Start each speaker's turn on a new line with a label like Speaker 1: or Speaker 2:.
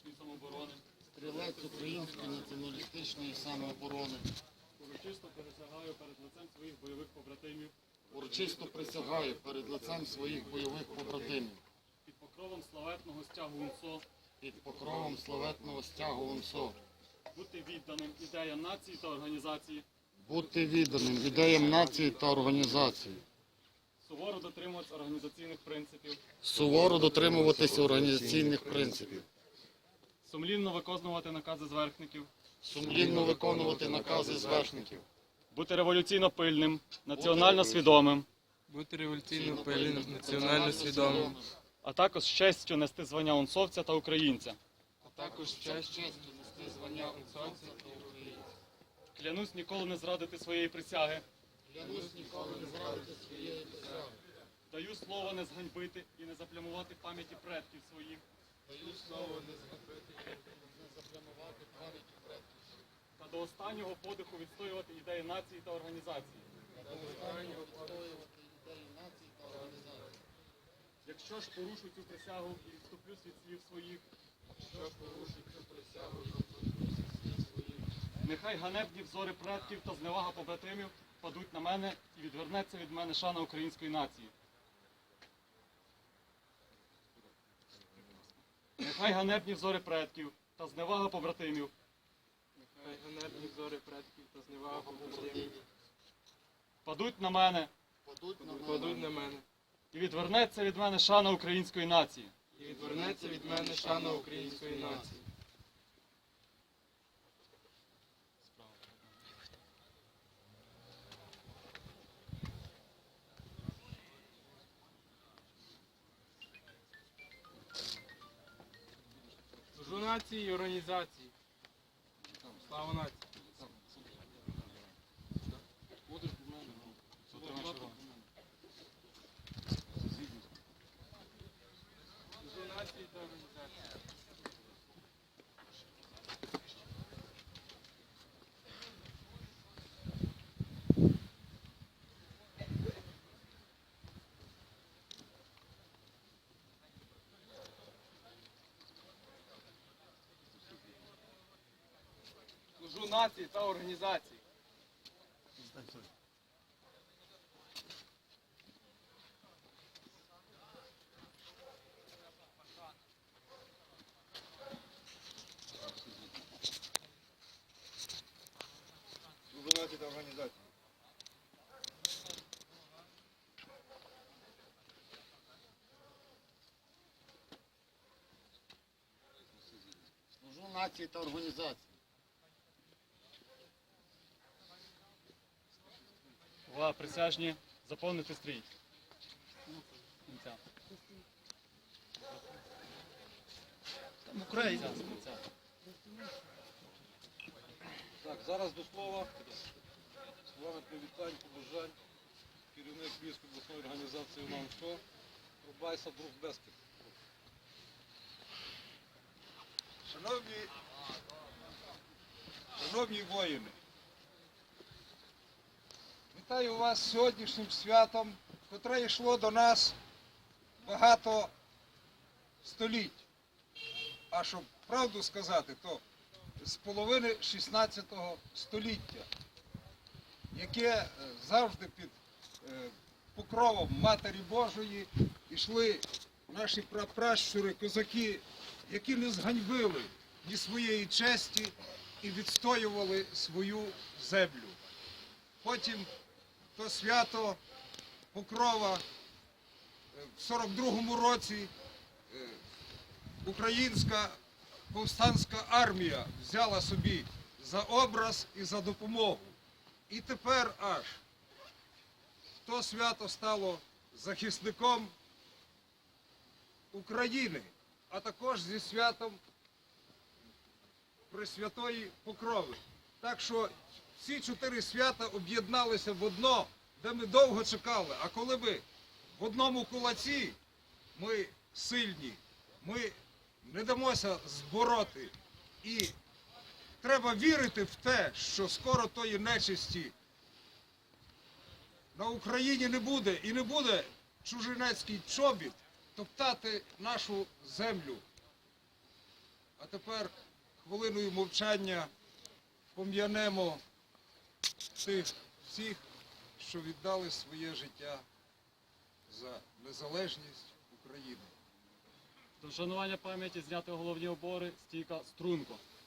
Speaker 1: націоналістичної самооборони.
Speaker 2: Стрілець Української націоналістичної самооборони.
Speaker 1: Урочисто присягаю перед лицем своїх бойових побратимів.
Speaker 2: Урочисто присягаю перед лицем своїх бойових побратимів.
Speaker 1: Під покровом славетного стягу УНСО.
Speaker 2: Під покровом славетного стягу УНСО.
Speaker 1: Бути відданим ідеям нації та організації.
Speaker 2: Бути відданим ідеям нації та організації.
Speaker 1: Суворо дотримуватися організаційних принципів.
Speaker 2: Суворо дотримуватися організаційних принципів.
Speaker 1: Сумлінно виконувати накази зверхників.
Speaker 2: Сумлінно виконувати накази зверхників.
Speaker 1: Бути революційно пильним, національно свідомим.
Speaker 3: Бути революційно пильним, національно свідомим.
Speaker 1: А також з честю нести звання унсовця та українця.
Speaker 3: А також з честю
Speaker 2: нести звання унсовця та українця.
Speaker 1: Клянусь ніколи не зрадити своєї присяги.
Speaker 2: Клянусь ніколи не зрадити своєї присяги.
Speaker 1: Даю слово не зганьбити і не заплямувати пам'яті предків своїх.
Speaker 2: Даю слово не зганьбити і не заплямувати пам'яті предків.
Speaker 1: Та до останнього подиху відстоювати ідеї нації та організації. Якщо ж порушу цю присягу і відступлюсь від слів своїх, нехай ганебні взори предків та зневага побратимів падуть на мене і відвернеться від мене шана української нації. Нехай ганебні взори предків та зневага побратимів
Speaker 3: Нехай ганебні взори предків та зневага побратимів
Speaker 1: падуть на мене
Speaker 3: падуть на мене.
Speaker 1: і відвернеться від мене шана української нації.
Speaker 3: І відвернеться від мене шана української нації. Служу нації і організації. Слава нації. Служу нації та організації. Служу нації та організації.
Speaker 4: Служу нації та організації.
Speaker 2: Служу нації та організації.
Speaker 1: Увага, присяжні, заповнити стрій. Кінця.
Speaker 2: Там Україна.
Speaker 1: Кінця.
Speaker 4: Так, зараз до слова. Словами привітань, побажань. Керівник Львівської обласної організації УНСО Рубайса Друг Бескет. Шановні воїни, вітаю вас з сьогоднішнім святом, котре йшло до нас багато століть. А щоб правду сказати, то з половини 16 століття, яке завжди під покровом Матері Божої йшли наші прапращури, козаки, які не зганьбили ні своєї честі і відстоювали свою землю. Потім то свято Покрова в 42-му році українська повстанська армія взяла собі за образ і за допомогу. І тепер аж то свято стало захисником України, а також зі святом Пресвятої Покрови. Так що всі 4 свята об'єдналися в одно, де ми довго чекали. А коли ми в одному кулаці, ми сильні, ми не дамося збороти. І треба вірити в те, що скоро тої нечисті на Україні не буде. І не буде чужинецький чобіт топтати нашу землю. А тепер хвилиною мовчання пом'янемо тих всіх, що віддали своє життя за незалежність України.
Speaker 1: До вшанування пам'яті зняти головні убори стійка струнко.